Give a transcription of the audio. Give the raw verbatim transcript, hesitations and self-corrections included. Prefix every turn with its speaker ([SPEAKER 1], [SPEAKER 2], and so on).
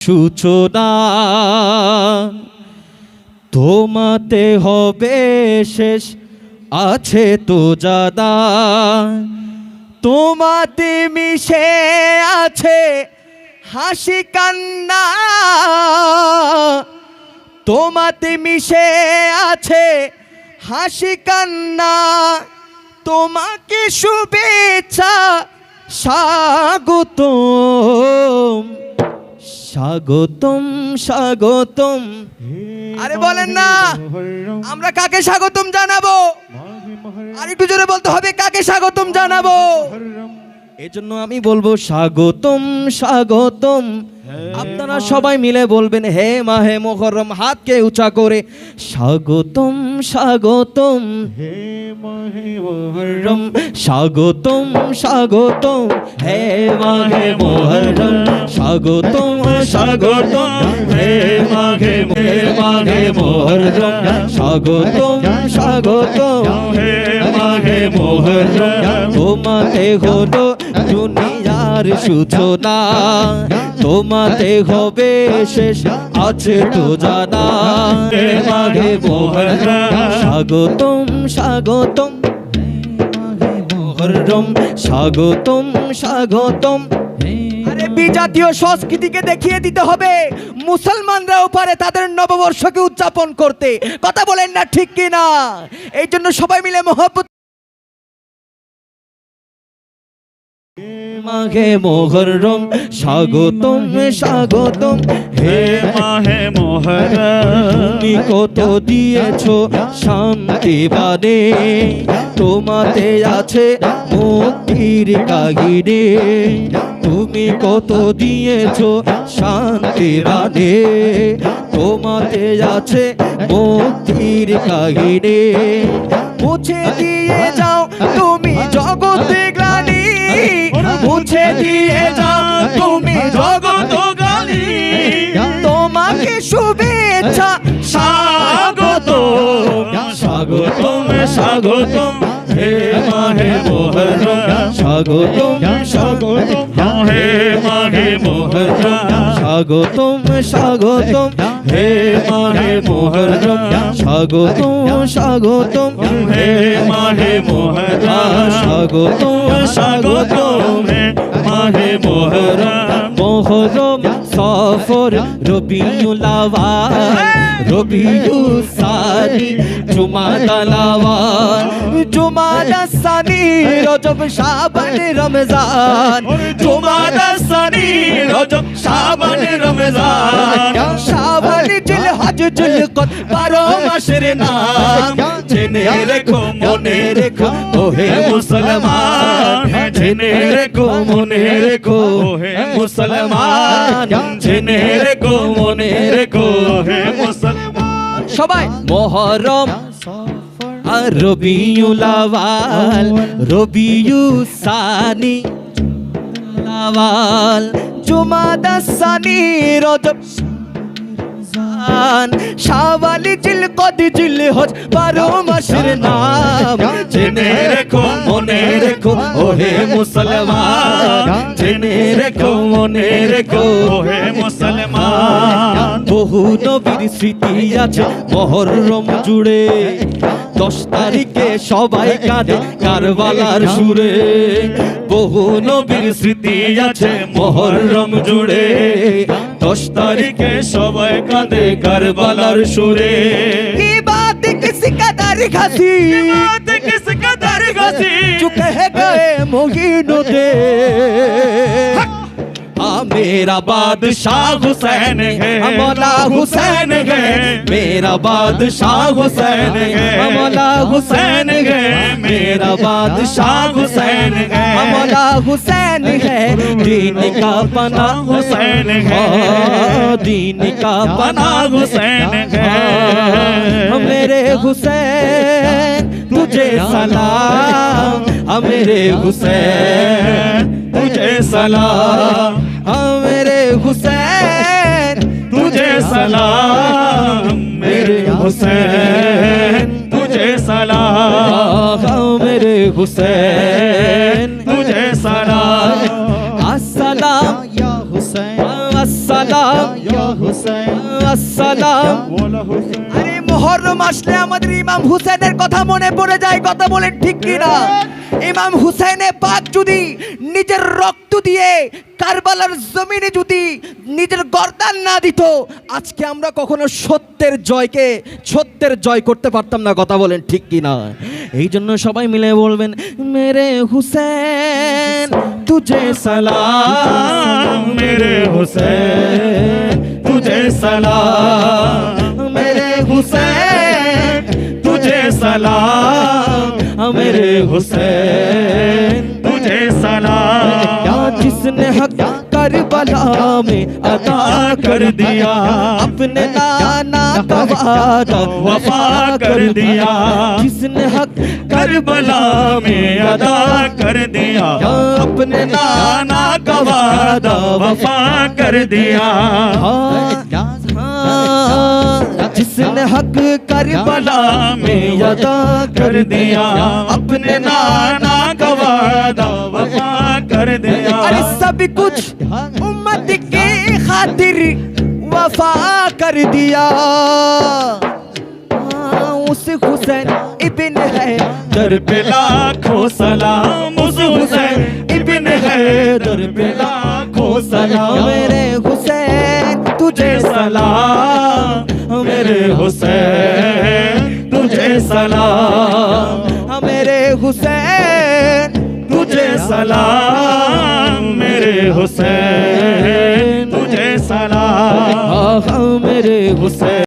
[SPEAKER 1] সূচনা তোমাতে হবে শেষ আছে তো জাদা তোমাতে মিশে আছে হাসি কান্না তোমাতে মিশে আছে হাসি কান্না তোমাকে শুভেচ্ছা স্বাগতম স্বাগতম স্বাগতম। আরে বলেন না আমরা কাকে স্বাগতম জানাবো? আর একটু জোরে বলতে হবে কাকে স্বাগতম জানাবো। এজন্য আমি বলবো স্বাগতম স্বাগতম। আপনারা সবাই মিলে বলবেন হে মাহে মুহররম, হাতকে উঁচা করে স্বাগতম স্বাগতম হে মাহে মুহররম, স্বাগতম স্বাগতম হে মাহে মুহররম, স্বাগতম স্বাগতম হে মাহে মাহে মুহররম, স্বাগতম স্বাগতম হে মাহে মুহররম। তোমাতে হলো দুনিয়ার সূচনা তোমাতে হবে শেষ আছে তো জানা হে মাহে মুহররম, স্বাগতম স্বাগতম হে মাহে মুহররম, স্বাগতম স্বাগতম। আরে বিজাতীয় সংস্কৃতিকে দেখিয়ে দিতে হবে মুসলমানরাও পারে তাদের নববর্ষকে উদযাপন করতে। কথা বলেন না ঠিক কিনা? এই জন্য সবাই মিলে মহব্বত মাহে মুহররম, স্বাগতম স্বাগতম হে মাহে মুহররম। তুমি কত দিয়েছো শান্তি বাণী তোমাতে আছে মুক্তির কাহিনী, তুমি কত দিয়েছো শান্তি বাণী তোমাতে আছে মুক্তির কাহিনী। মুছে দিয়ে যাও তুমি জগতে গ্লানি, মুছে দিয়ে যাও তুমি জগত গালি, তোমাকে শুভেচ্ছা স্বাগতম স্বাগতম স্বাগতম হে মাহে মুহররম, স্বাগতম স্বাগতম হে মাহে মুহররম, স্বাগতম স্বাগতম হে মাহে মুহররম, স্বাগতম স্বাগতম হে মাহে মুহররম, স্বাগতম স্বাগতম হে মাহে মুহররম। মুহররম সফর রবিউল আউয়াল রবিউস সানি জুমাদাল আউয়াল জুমাদাস সানি রজব শাবান রমজান, জুমাদাস সানি রজব শাবান রমজান, শাওয়াল জিলহজ জুলকদ বারো মাসের নাম। জেনে রেখো মনে রেখো ওহে মুসলমান, জেনে রেখো মনে রেখো ওহে মুসলমান, জেনে রেখো মনে রেখো ওহে মুসলমান। সবাই মুহররম আর রবিউল আউয়াল রবিউস সানি আউয়াল জুমাদাস সানি রজব শাওয়াল জিলকদ জিলহজ বারো মাসের নাম। জেনে রেখো মনে রেখো ওহে মুসলমান, জেনে রেখো মনে রেখো ওহে মুসলমান। বহু নবীর স্মৃতি আছে মুহররম জুড়ে, দশ তারিখে সবাই কাঁদে কারবালার সুরে। বহু নবীর স্মৃতি আছে মুহররম জুড়ে, দশ তারিখে সবাই কাঁদে কারবালার সুরে। কি বাত কিস কদর ঘসি, কি বাত কিস কদর ঘসি, जो कह गए मोहिनुद्दे मेरा बादशाह हुसैन है, मौला हुसैन है, मेरा बादशाह हुसैन है, मौला हुसैन है, मेरा बादशाह हुसैन है, मौला हुसैन है। दीन का पना हुसैन है, दीन का पना हुसैन है। मेरे हुसैन तुझे सलाम, मेरे हुसैन तुझे सलाम, मेरे हुसैन तुझे सलाम, मेरे हुसैन तुझे सलाम, मेरे हुसैन तुझे सलाम। अस्सलाम या हुसैन, अस्सलाम
[SPEAKER 2] या हुसैन
[SPEAKER 1] আসসালাম।
[SPEAKER 2] बोला हुसैन
[SPEAKER 1] আরে মুহররম আসলে আমাদের ইমাম হুসেনের কথা মনে পড়ে যায়, কথা বলেন ঠিক কি না? ইমাম হুসেনে পাক যদি নিজের রক্ত দিয়ে কারবালার জমিনে যদি নিজের গর্দান না দিত, আজকে আমরা কখনো সত্যের জয়কে সত্যের জয় করতে পারতাম না, কথা বলেন ঠিক কি না? এই জন্য সবাই মিলে বলবেন, মেরে হুসেন তুঝে সালাম, মেরে হুসেন তুঝে সালাম, मेरे हुसैन तुझे सलाम, मेरे हुसैन तुझे सलाम। जिसने हक करबला में अदा कर दिया, अपने नाना का वादा वफा कर दिया। जिसने हक करबला में अदा कर दिया, अपने नाना का वादा वफा कर दिया। जिसने हक करबला में अदा कर दिया, अपने नाना का वादा वफा कर दिया। अरे सब कुछ उम्मत की खातिर वफा कर दिया। उस हुसैन इब्न है दर पे लाखों सलाम, उस हुसैन इब्न है दर पे लाखों सलाम। मेरे हुसैन तुझे सलाम, मेरे हुसैन तुझे सलाम, मेरे हुसैन तुझे सलाम, मेरे हुसैन तुझे सलाम, मेरे हुसैन।